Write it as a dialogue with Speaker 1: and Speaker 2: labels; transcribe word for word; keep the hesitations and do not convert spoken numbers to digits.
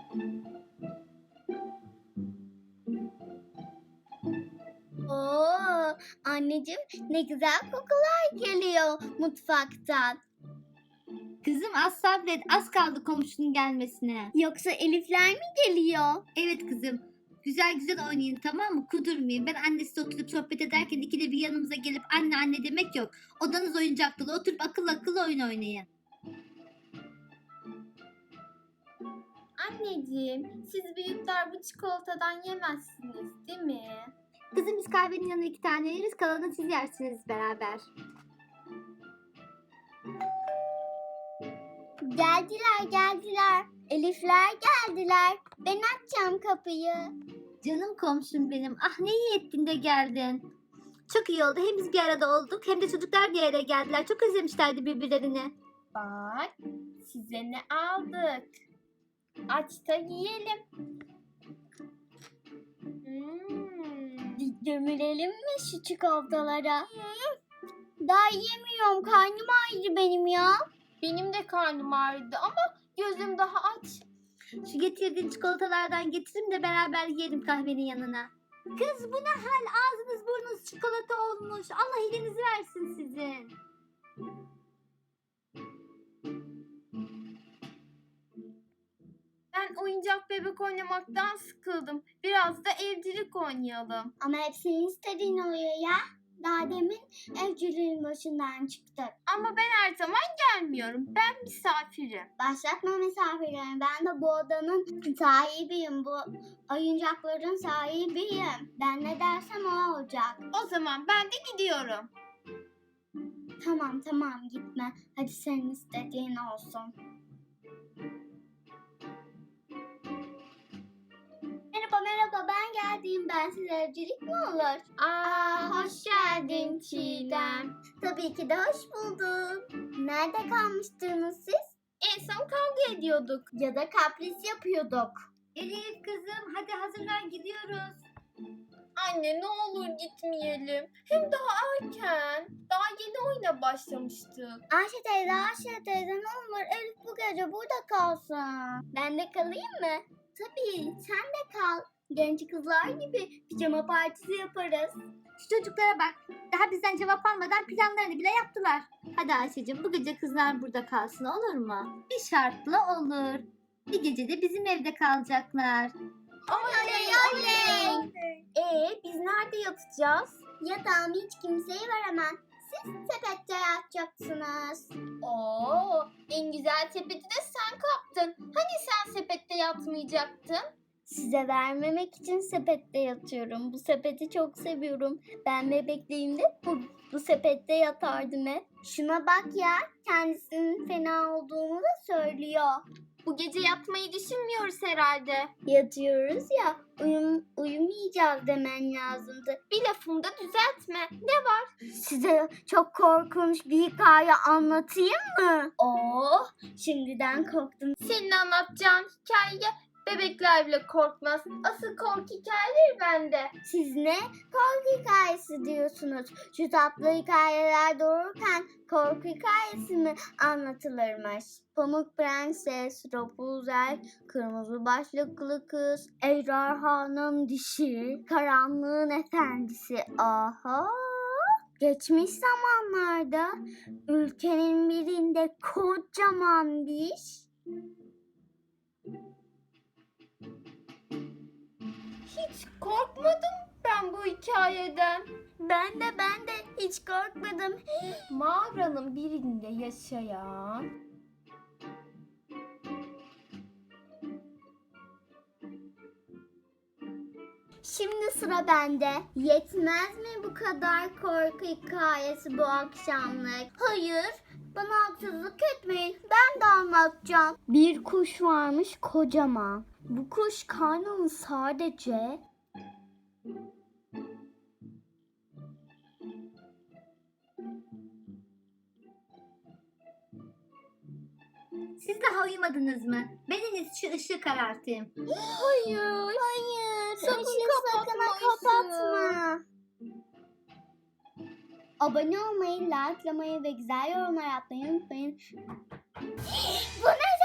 Speaker 1: Oo, anneciğim ne güzel kokular geliyor mutfaktan.
Speaker 2: Kızım az sabret, az kaldı komşunun gelmesine.
Speaker 1: Yoksa Elifler mi geliyor?
Speaker 2: Evet kızım. Güzel güzel oynayın, tamam mı? Kudurmayın. Ben annesiyle oturup sohbet ederken ikide bir yanımıza gelip anne anne demek yok. Odanız oyuncak dolu. Oturup akıl akıl oyun oynayın.
Speaker 3: Anneciğim, siz büyükler bu çikolatadan yemezsiniz, değil mi?
Speaker 2: Kızım biz kahvenin yanına iki tane yeriz. Kalanını siz yersiniz beraber.
Speaker 1: Geldiler geldiler. Elifler geldiler. Ben açacağım kapıyı.
Speaker 2: Canım komşum benim. Ah ne iyi ettin de geldin. Çok iyi oldu. Hem biz bir arada olduk hem de çocuklar bir araya geldiler. Çok özlemişlerdi birbirlerini.
Speaker 3: Bak, size ne aldık? Aç da yiyelim. Hmm.
Speaker 1: Gömülelim mi şu çikolatalara? Daha yemiyorum. Karnım ağrıdı benim ya.
Speaker 3: Benim de karnım ağrıdı ama gözüm daha aç.
Speaker 2: Şu getirdiğin çikolatalardan getirin de beraber yiyelim kahvenin yanına. Kız bu ne hal? Ağzınız burnunuz çikolata olmuş. Allah iyiliğinizi versin sizin.
Speaker 3: Ben oyuncak bebek oynamaktan sıkıldım. Biraz da evcilik oynayalım.
Speaker 1: Ama hep senin istediğin oluyor ya. Daha demin evciliğin başından çıktık.
Speaker 3: Ama ben her zaman gelmiyorum. Ben misafirim.
Speaker 1: Başlatma misafirlerimi. Ben de bu odanın sahibiyim. Bu oyuncakların sahibiyim. Ben ne dersem o olacak.
Speaker 3: O zaman ben de gidiyorum.
Speaker 1: Tamam tamam gitme. Hadi senin istediğin olsun. Merhaba merhaba ben geldim. Ben size evcilik mi olur?
Speaker 3: Aa, hoş geldin Çiğdem.
Speaker 1: Tabii ki de hoş buldum. Nerede kalmıştınız siz?
Speaker 3: En son kavga ediyorduk.
Speaker 1: Ya da kapris yapıyorduk.
Speaker 2: Elif kızım hadi hazırlan gidiyoruz.
Speaker 3: Anne ne olur gitmeyelim. Hem daha erken. Daha yeni oyuna başlamıştık.
Speaker 1: Ayşe teyze, Ayşe teyze ne olur Elif bu gece burada kalsın. Ben de kalayım mı? Tabii sen de kal. Genç kızlar gibi pijama partisi yaparız.
Speaker 2: Şu çocuklara bak. Daha bizden cevap almadan planlarını bile yaptılar. Hadi Ayşe'cim bu gece kızlar burada kalsın olur mu? Bir şartla olur. Bir gece de bizim evde kalacaklar.
Speaker 1: Oley oley.
Speaker 3: Ee biz nerede yatacağız?
Speaker 1: Yatağımı hiç kimseye veremem. Siz sepette yatacaksınız.
Speaker 3: Oo, en güzel sepeti de sen kaptın. Hani sen sepette yatmayacaktın?
Speaker 1: Size vermemek için sepette yatıyorum. Bu sepeti çok seviyorum. Ben bebekliğimde bu, bu sepette yatardım hep. Şuna bak ya, kendisinin fena olduğunu da söylüyor.
Speaker 3: Bu gece yatmayı düşünmüyoruz herhalde.
Speaker 1: Yatıyoruz ya, uyum, uyumayacağız demen lazımdı.
Speaker 3: Bir lafımda düzeltme. Ne var?
Speaker 1: Size çok korkunç bir hikaye anlatayım mı? Oo, şimdiden korktum.
Speaker 3: Senin anlatacağın hikaye bebekler bile korkmaz. Asıl korku hikayeleri bende.
Speaker 1: Siz ne korku hikayesi diyorsunuz? Şu tatlı hikayeler doğururken korku hikayesi mi anlatılırmış? Pamuk Prenses, Rapunzel, Kırmızı Başlıklı Kız, Ejderhanın Dişi, Karanlığın Efendisi. Aha! Geçmiş zamanlarda ülkenin birinde kocaman bir
Speaker 3: Hiç korkmadım ben bu hikayeden.
Speaker 1: ben de ben de hiç korkmadım.
Speaker 3: Mağaranın birinde yaşayan
Speaker 1: Şimdi sıra bende. Yetmez mi bu kadar korku hikayesi bu akşamlık? Hayır, bana haksızlık etmeyin. Ben de anlatacağım. Bir kuş varmış kocaman. Bu kuş karnını sadece
Speaker 2: Siz daha uyumadınız mı? Ben en iyisi şu ışığı karartayım.
Speaker 3: hayır.
Speaker 1: hayır,
Speaker 3: Sakın
Speaker 1: ışığı sakın
Speaker 3: kapatma
Speaker 1: kapatma. Abone olmayı, likelamayı ve güzel yorumlar yapmayı unutmayın. Bu ne